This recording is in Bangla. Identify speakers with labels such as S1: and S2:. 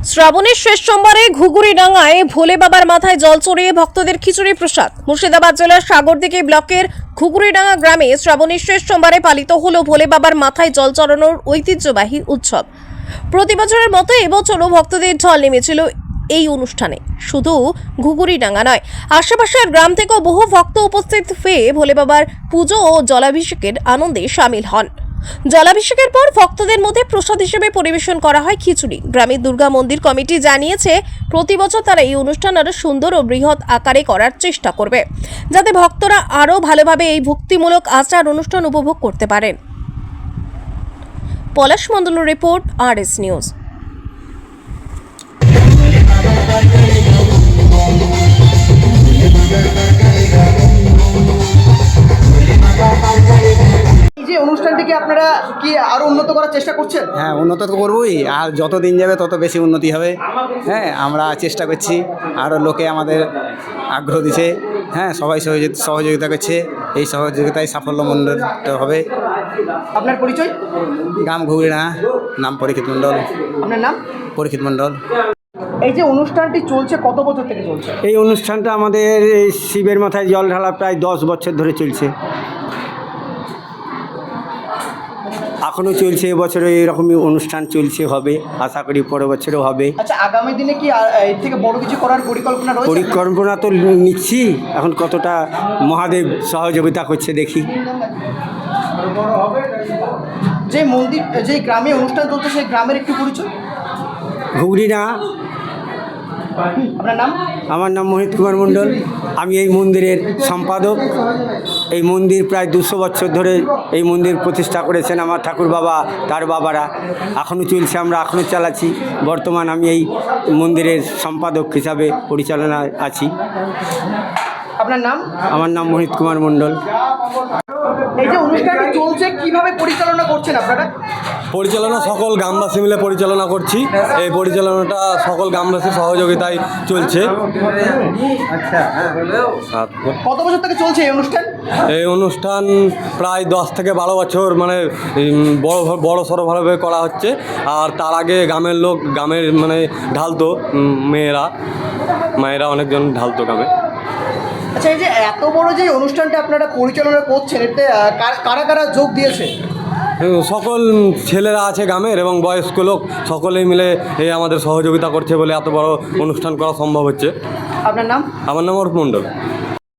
S1: শ্রাবণের শেষ সোমবারে ঘুঘুরিডাঙ্গায় ভোলে বাবার মাথায় জল চড়িয়ে ভক্তদের খিচুড়ি প্রসাদ। মুর্শিদাবাদ জেলার সাগরদিঘি ব্লকের ঘুঘুরিডাঙ্গা গ্রামে শ্রাবণের শেষ সোমবারে পালিত হলো ভোলে বাবার মাথায় জল চড়ানোর ঐতিহ্যবাহী উৎসব। প্রতি বছরের মতো এবছরও ভক্তদের ঢল নেমেছিল এই অনুষ্ঠানে। শুধু ঘুঘুরিডাঙ্গা নয়, আশেপাশের গ্রাম থেকেও বহু ভক্ত উপস্থিত হয়ে ভোলে বাবার পুজো ও জলাভিষেকের আনন্দে সামিল হন। জলাভিষেকের পর ভক্তদের মধ্যে প্রসাদ হিসেবে পরিবেশন করা হয় খিচুড়ি। গ্রামের দুর্গা মন্দির কমিটি জানিয়েছে, প্রতি বছর তারা এই অনুষ্ঠান আরো সুন্দর ও বৃহৎ আকারে করার চেষ্টা করবে, যাতে ভক্তরা আরো ভালোভাবে এই ভক্তিমূলক আচার অনুষ্ঠান উপভোগ করতে পারেন। পলাশ মণ্ডলের রিপোর্ট, RS নিউজ।
S2: এই যে অনুষ্ঠানটিকে আপনারা কি আরো উন্নত করার চেষ্টা করছেন?
S3: হ্যাঁ, উন্নত তো করবোই, আর যত দিন যাবে তত বেশি উন্নতি হবে। হ্যাঁ, আমরা চেষ্টা করছি, আরও লোকে আমাদের আগ্রহ দিচ্ছে। হ্যাঁ, সবাই সহযোগিতা করছে, এই সহযোগিতায় সাফল্যমণ্ডিত হবে।
S2: আপনার পরিচয়?
S3: গ্রাম ঘুঘুরিডাঙ্গা, নাম পরীক্ষিত মণ্ডল।
S2: আপনার নাম?
S3: পরীক্ষিত মণ্ডল।
S2: এই যে অনুষ্ঠানটি চলছে কত বছর থেকে চলছে?
S4: এই অনুষ্ঠানটা আমাদের এই শিবের মাথায় জল ঢালা প্রায় 10 বছর ধরে চলছে, এখনও চলছে। এবছরে এরকমই অনুষ্ঠান চলছে, হবে, আশা করি পরের বছরও হবে।
S2: আচ্ছা, আগামী দিনে কি এর থেকে বড় কিছু করার পরিকল্পনা রয়েছে?
S4: পরিকল্পনা তো নিচ্ছি, এখন কতটা মহাদেব সহযোগিতা করছে দেখি।
S2: যে মন্দির, যে গ্রামে অনুষ্ঠান চলছে সেই গ্রামের একটু পরিচয়?
S4: ঘুঘুরিডাঙ্গা।
S2: আপনার নাম?
S4: আমার নাম মোহিত কুমার মণ্ডল, আমি এই মন্দিরের সম্পাদক। এই মন্দির প্রায় 200 বছর ধরে এই মন্দির প্রতিষ্ঠা করেছেন আমার ঠাকুর বাবা, তার বাবারা। এখনও চলছে, আমরা এখনও চালাচ্ছি। বর্তমান আমি এই মন্দিরের সম্পাদক হিসাবে পরিচালনায় আছি।
S2: আপনার নাম?
S4: আমার নাম মোহিত কুমার মণ্ডল।
S2: এই যে অনুষ্ঠানটি চলছে কিভাবে পরিচালনা করছেন আপনারা?
S5: পরিচালনা সকল গ্রামবাসী মিলে পরিচালনা করছি। এই পরিচালনাটা সকল গ্রামবাসীর সহযোগিতায় চলছে।
S2: কত বছর থেকে চলছে এই অনুষ্ঠান?
S5: এই অনুষ্ঠান প্রায় 10 থেকে 12 বছর, মানে বড় সড়োভাবে করা হচ্ছে। আর তার আগে গ্রামের লোক, গ্রামের মানে ঢালতো, মায়েরা অনেকজন ঢালতো গ্রামে।
S2: আচ্ছা, এই যে এত বড় যে অনুষ্ঠানটা আপনারা পরিচালনা করছেন, এতে কারা কারা যোগ দিয়েছে?
S5: সকল ছেলেরা আছে গ্রামের এবং বয়স্ক লোক, সকলেই মিলে এই আমাদের সহযোগিতা করছে বলে এত বড় অনুষ্ঠান করা সম্ভব হচ্ছে।
S2: আপনার নাম?
S5: আমার নাম অরূপ মণ্ডল।